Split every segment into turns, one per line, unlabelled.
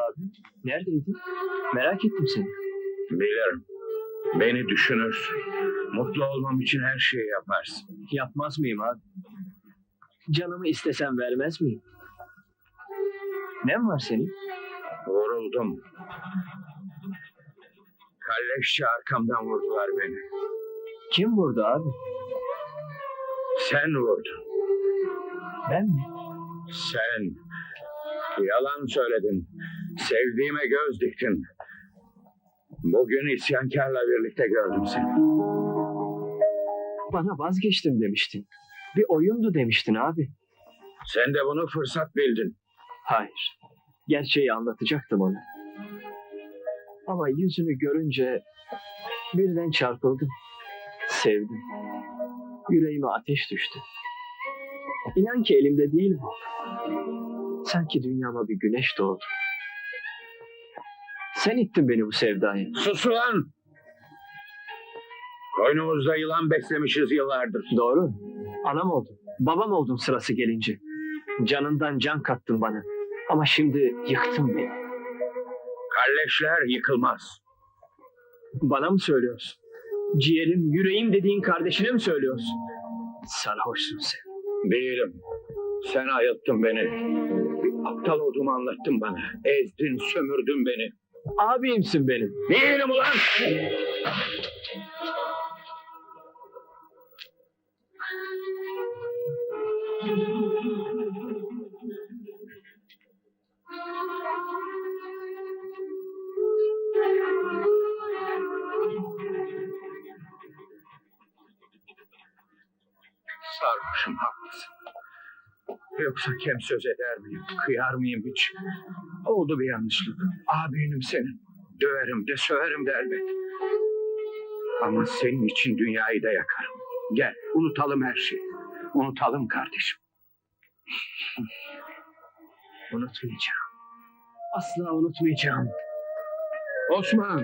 abi? Neredeydin? Merak ettim seni.
Bilirim. Beni düşünürsün. Mutlu olmam için her şeyi yaparsın.
Yapmaz mıyım abi? Canımı istesem vermez miyim? Ne var senin?
Vuruldum. Kalleşçe arkamdan vurdular beni.
Kim vurdu abi?
Sen vurdun.
Ben mi?
Sen. Yalan söyledin. Sevdiğime göz diktin. Bugün isyankarla birlikte gördüm seni.
Bana vazgeçtim demiştin. Bir oyundu demiştin abi.
Sen de bunu fırsat bildin.
Hayır. Gerçeği anlatacaktım ona. Ama yüzünü görünce birden çarpıldım. Sevdim. Yüreğime ateş düştü. İnan ki elimde değil bu. Sanki dünyama bir güneş doğdu. Sen ittin beni bu sevdaya.
Sus ulan! Koynumuzda yılan beslemişiz yıllardır.
Doğru. Anam oldun. Babam oldun sırası gelince. Canından can kattın bana. Ama şimdi yıktın beni.
Kalleşler yıkılmaz.
Bana mı söylüyorsun? Ciğerim, yüreğim dediğin kardeşine mi söylüyorsun? Sarhoşsun sen.
Değilim. Sen ayılttın beni. Bir aptal olduğumu anlattın bana. Ezdin, sömürdün beni.
Abimsin benim.
Değilim ulan! Sarhoşum, haklısın. Yoksa kem söz eder miyim, kıyar mıyım hiç? Oldu bir yanlışlık. Abinim senin. Döverim de söverim de elbet. Ama senin için dünyayı da yakarım. Gel, unutalım her şeyi. Unutalım kardeşim.
Unutmayacağım. Asla unutmayacağım.
Osman!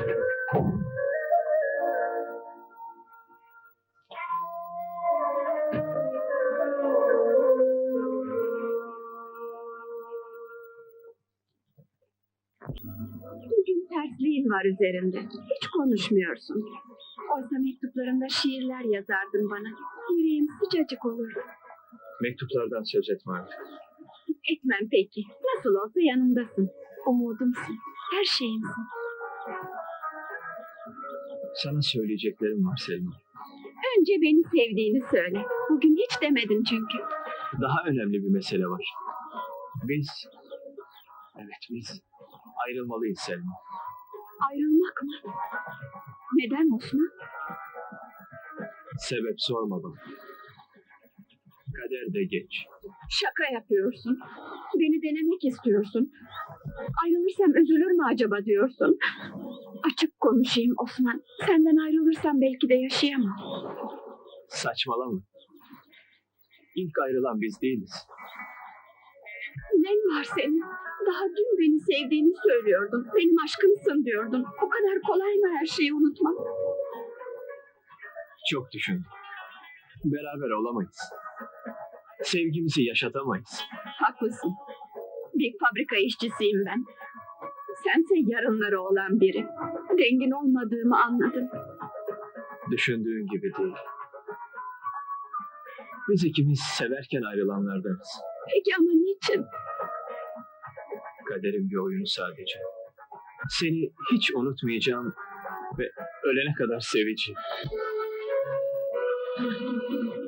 Bugün tersliğin var üzerinde. Hiç konuşmuyorsun. Oysa mektuplarında şiirler yazardın bana. Yüreğim sıcacık olurdu.
Mektuplardan söz etme artık.
Etmem peki. Nasıl olsa yanımdasın. Umudumsun. Her şeyimsin.
Sana söyleyeceklerim var Selma.
Önce beni sevdiğini söyle. Bugün hiç demedin çünkü.
Daha önemli bir mesele var. Biz ayrılmalıyız Selma.
Ayrılmak mı? Neden Osman?
Sebep sorma bana. Kader de geç.
Şaka yapıyorsun. Beni denemek istiyorsun. Ayrılırsam üzülür mü acaba diyorsun. Açık konuşayım Osman. Senden ayrılırsam belki de yaşayamam.
Saçmalama. İlk ayrılan biz değiliz.
Ne var senin? Daha dün beni sevdiğini söylüyordun. Benim aşkımsın diyordun. Bu kadar kolay mı her şeyi unutmak?
Çok düşündüm. Beraber olamayız. Sevgimizi yaşatamayız.
Haklısın. Bir fabrika işçisiyim ben. Sense yarınları olan biri. Dengin olmadığımı anladım.
Düşündüğün gibi değil. Biz ikimiz severken ayrılanlardanız.
Peki ama niçin?
Kaderin bir oyunu sadece. Seni hiç unutmayacağım ve ölene kadar seveceğim.